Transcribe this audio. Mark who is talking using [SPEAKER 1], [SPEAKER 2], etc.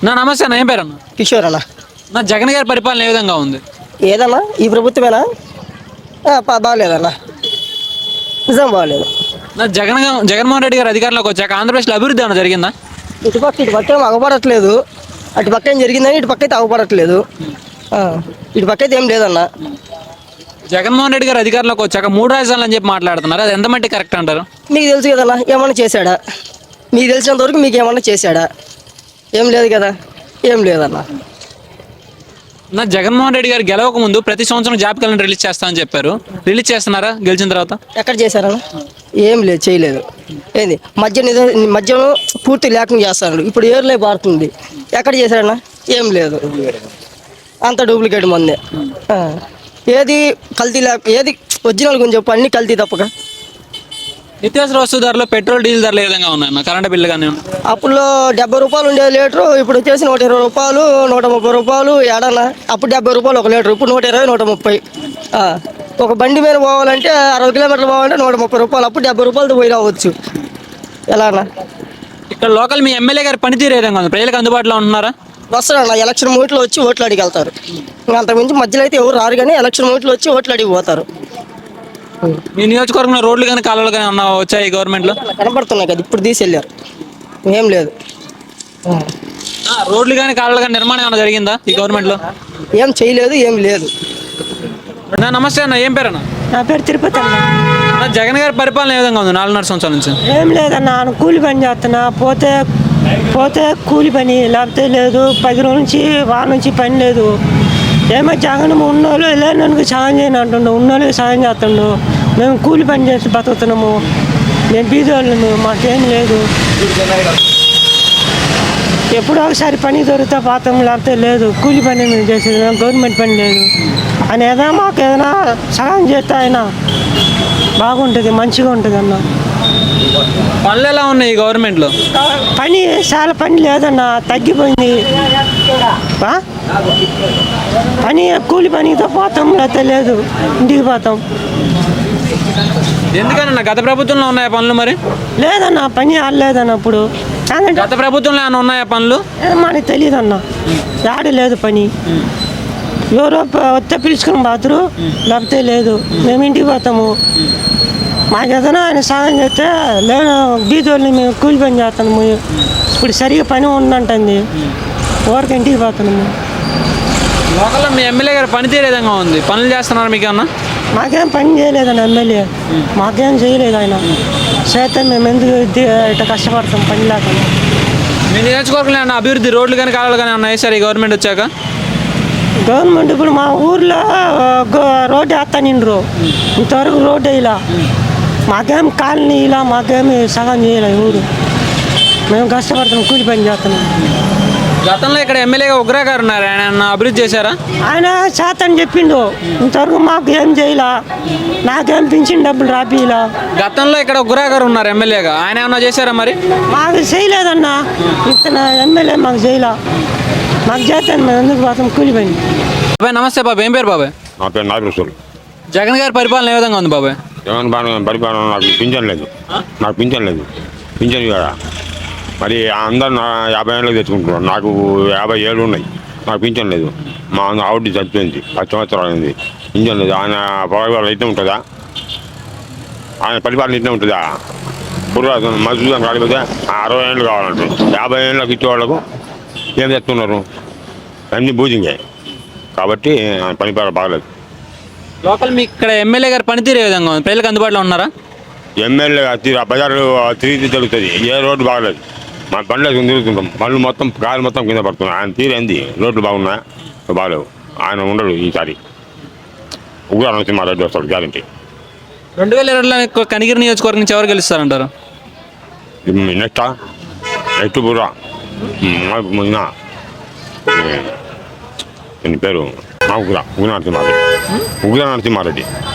[SPEAKER 1] నమస్తే అన్న, ఏం పేరు అన్న?
[SPEAKER 2] కిషోర్ అన్న.
[SPEAKER 1] జగన్ గారి పరిపాలన ఏ విధంగా ఉంది?
[SPEAKER 2] ఏదన్నా ఈ ప్రభుత్వమేనా? బాగలేదన్న, నిజం బాగలేదు.
[SPEAKER 1] జగన్మోహన్ రెడ్డి గారు అధికారంలోకి వచ్చాక ఆంధ్రప్రదేశ్లో అభివృద్ధి ఏమైనా జరిగిందా?
[SPEAKER 2] ఇటు పక్క ఏం అగపడట్లేదు. అటు పక్క ఏం జరిగిందని ఇటు పక్క అయితే అగపడట్లేదు. ఇటు పక్క అయితే ఏం లేదన్న.
[SPEAKER 1] జగన్మోహన్ రెడ్డి గారు అధికారంలోకి వచ్చాక 3 రాజధానులు అని చెప్పి మాట్లాడుతున్నారు, అది ఎంత మట్టి కరెక్ట్ అంటారు?
[SPEAKER 2] మీకు తెలుసు కదన్నా, ఏమన్నా చేశాడా? మీకు తెలిసినంత వరకు మీకు ఏమన్నా చేశాడా? ఏం లేదు కదా, ఏం లేదన్న.
[SPEAKER 1] జగన్మోహన్ రెడ్డి గారు గెలవక ముందు ప్రతి సంవత్సరం జాబ్ క్యాలెండర్ రిలీజ్ చేస్తామని చెప్పారు, రిలీజ్ చేస్తున్నారా గెలిచిన తర్వాత?
[SPEAKER 2] ఎక్కడ చేశారన్న? ఏం లేదు, చేయలేదు. ఏంది మద్యం పూర్తి లేకుండా చేస్తాడు. ఇప్పుడు ఏర్లే పారుతుంది. ఎక్కడ చేశారన్న? ఏం లేదు, అంత డూప్లికేట్ మందే. ఏది కల్తీ ఏది ఒరిజినల్ గురించి చెప్పు, అన్ని కల్తీ తప్పక.
[SPEAKER 1] నిత్యావసర వస్తు ధరలు, పెట్రోల్ డీజిల్ ధరలు ఏ విధంగా ఉన్నాయి? కరెంట్ బిల్లు కానీ
[SPEAKER 2] అప్పుడు 70 రూపాయలు ఉండేది లీటరు, ఇప్పుడు వచ్చేసి 120 రూపాయలు, 130 రూపాయలు. ఏడన్నా అప్పుడు 70 రూపాయలు ఒక లీటరు, ఇప్పుడు 120, 130. ఒక బండి మీద పోవాలంటే 60 కిలోమీటర్లు పోవాలంటే 130 రూపాయలు. అప్పుడు 70 రూపాయలతో పోయి రావచ్చు. ఎలానా?
[SPEAKER 1] ఇక్కడ లోకల్ మీ ఎమ్మెల్యే గారి పనితీరు ఏ విధంగా ఉంది? ప్రజలకు అందుబాటులో ఉంటున్నారా?
[SPEAKER 2] వస్తారన్న, ఎలక్షన్ మూట్లో వచ్చి ఓట్లు అడిగి వెళ్తారు. అంతకుమించి మధ్యలో అయితే ఎవరు రారు, కానీ ఎలక్షన్ మూట్లో వచ్చి ఓట్లు అడిగి పోతారు.
[SPEAKER 1] మీ నియోజకవర్గంలో రోడ్లు కానీ కాలువలు కానీ ఏమన్నా వచ్చాయి గవర్నమెంట్లో?
[SPEAKER 2] కనపడుతున్నాయి కదా, ఇప్పుడు తీసుకెళ్ళారు. ఏం లేదు.
[SPEAKER 1] రోడ్లు కానీ కాలువలు కానీ నిర్మాణం ఏమైనా జరిగిందా ఈ గవర్నమెంట్లో?
[SPEAKER 2] ఏం చేయలేదు, ఏం లేదు.
[SPEAKER 1] నమస్తే అన్న, ఏం పేరు అన్న?
[SPEAKER 3] నా పేరు తిరుపతి అన్న.
[SPEAKER 1] జగన్ గారి పరిపాలన ఏ విధంగా ఉంది 4.5 సంవత్సరాల నుంచి?
[SPEAKER 3] ఏం లేదన్న, కూలి పని చేస్తున్నా. పోతే కూలి పని, లేకపోతే లేదు. 10 రోజుల నుంచి వారం నుంచి పని లేదు. ఏమో జగన్ ఉన్నోళ్ళు లేనోళ్ళకి సాయం చేయని అంటుండు, ఉన్నోళ్ళకి సాయం చేస్తుండు. మేము కూలి పని చేసి బతుకుతున్నాము. మేము బీదోళ్ళము, మాకేం లేదు. ఎప్పుడో ఒకసారి పని దొరికితే పోతాం, లేకపోతే లేదు. కూలి పని మేము చేసేది, గవర్నమెంట్ పని లేదు అని ఏదైనా మాకు ఏదైనా సహాయం చేస్తే ఆయన బాగుంటుంది, మంచిగా ఉంటుంది అన్న.
[SPEAKER 1] పనులు ఎలా ఉన్నాయి ఈ గవర్నమెంట్లో?
[SPEAKER 3] పని చాలా పని లేదన్న, తగ్గిపోయింది. పని కూలి పనితో పోతాం, లేకపోతే లేదు ఇంటికి పోతాం.
[SPEAKER 1] ఎందుకన్నా గత ప్రభుత్వంలో ఉన్నాయా పనులు? మరి
[SPEAKER 3] లేదన్న, పని ఆడలేదన్న. ఇప్పుడు
[SPEAKER 1] గత ప్రభుత్వంలో ఏమైనా ఉన్నాయా పనులు?
[SPEAKER 3] మనకి తెలియదు అన్న, ఆడ లేదు పని. ఎవరో వస్తే పిలుచుకుని పోతారు, లేకపోతే లేదు. మేము ఇంటికి పోతాము. మాకు ఏదైనా ఆయన సాయం చేస్తే లేదు. బీదోళ్ళని మేము కూలి పని చేస్తున్నాము. ఇప్పుడు సరిగా పని ఉందంటుంది, ఊరికి ఇంటికి పోతున్నాము.
[SPEAKER 1] లోకల్లో మీ ఎమ్మెల్యే గారి పనితీరు ఏ విధంగా ఉంది? పనులు చేస్తున్నారు మీకు అన్న?
[SPEAKER 3] మాకేం పని చేయలేదన్న ఎమ్మెల్యే, మాకేం చేయలేదు ఆయన. చేస్తే మేము ఎందుకు ఇట్లా కష్టపడతాం పని లేకుండా.
[SPEAKER 1] మీ నియోజకవర్గంలో ఏమన్నా అభివృద్ధి, రోడ్లు కానీ కాలువలు కానీ ఉన్నాయి సార్ ఈ గవర్నమెంట్ వచ్చాక?
[SPEAKER 3] గవర్నమెంట్ ఇప్పుడు మా ఊర్లో రోడ్డు వేస్తానిండ్రు, ఇంతవరకు రోడ్డు వేయలా. మాకేం కాలనీ ఇలా, మాకేమి సగం చేయలే ఊరు. మేము కష్టపడుతున్నాం, కూలి పని చేస్తున్నాం.
[SPEAKER 1] గతంలో ఇక్కడ ఎమ్మెల్యేగా ఉగ్రా గారు ఉన్నారు, ఆయన అభివృద్ధి చేశారా?
[SPEAKER 3] ఆయన చేతని చెప్పిండు, ఇంతవరకు మాకు ఏం చేయలా. నాకేం పింఛన్ డబ్బులు రాపిలా.
[SPEAKER 1] గతంలో ఇక్కడ ఉగ్రా గారు ఉన్నారు ఎమ్మెల్యేగా, ఆయన ఏమన్నా చేశారా? మరి
[SPEAKER 3] మాకు చేయలేదన్న, ఇతను ఎమ్మెల్యే మాకు చేయలా. మాకు చేస్తాను, మేము ఎందుకు పోతాం కూలి పని.
[SPEAKER 1] బాబాయ్ నమస్తే. బాబాయ్ ఏం పేరు? బాబాయ్
[SPEAKER 4] నా పేరు నాగేశ్వరు.
[SPEAKER 1] జగన్ గారి పరిపాలన ఏ విధంగా ఉంది బాబాయ్?
[SPEAKER 4] జగన్ పరిపాలన నాకు పింఛన్ లేదు, పింఛన్ కదా. మరి అందరు 50 ఏళ్ళకి తెచ్చుకుంటున్నారు, నాకు 50 ఏళ్ళు ఉన్నాయి, నాకు పింఛన్ లేదు. మా ఆవిడ చచ్చిపోయింది, 10 సంవత్సరాలు అయింది, పింఛన్ లేదు. ఆయన పరిపాలన అయితే ఉంటుందా? ఆయన పరిపాలన ఇట్లా ఉంటుందా? మసూదం కాకపోతే 60 ఏళ్ళు కావాలంటే 50 ఏళ్ళకి ఇచ్చేవాళ్ళకు ఏం చేస్తున్నారు? అన్ని బూజింగే. కాబట్టి పరిపాలన బాగలేదు.
[SPEAKER 1] లోకల్ మీ ఇక్కడ ఎమ్మెల్యే గారి పనితీరు ఏ విధంగా ఉంది? ప్రజలకు అందుబాటులో ఉన్నారా?
[SPEAKER 4] ఎమ్మెల్యే బజారు తిరిగి జరుగుతుంది, ఏ రోడ్డు బాగలేదు. మా బండ్లు తిరుగుతుంటాం, బండ్లు మొత్తం గాలి మొత్తం కింద పడుతున్నాయి. ఆయన తీరు ఏంది? రోడ్లు బాగున్నాయా? బాగలేవు. ఆయన ఉండడు ఈసారి. ఉగ్ర నరసింహారెడ్డి వస్తాడు గ్యారంటీ.
[SPEAKER 1] 2020లో కనిగిరి నియోజకవర్గం నుంచి ఎవరు గెలుస్తారంటారు?
[SPEAKER 4] నెక్స్ట్ బుర్రా పేరు ఉగ్ర నరసింహారెడ్డి.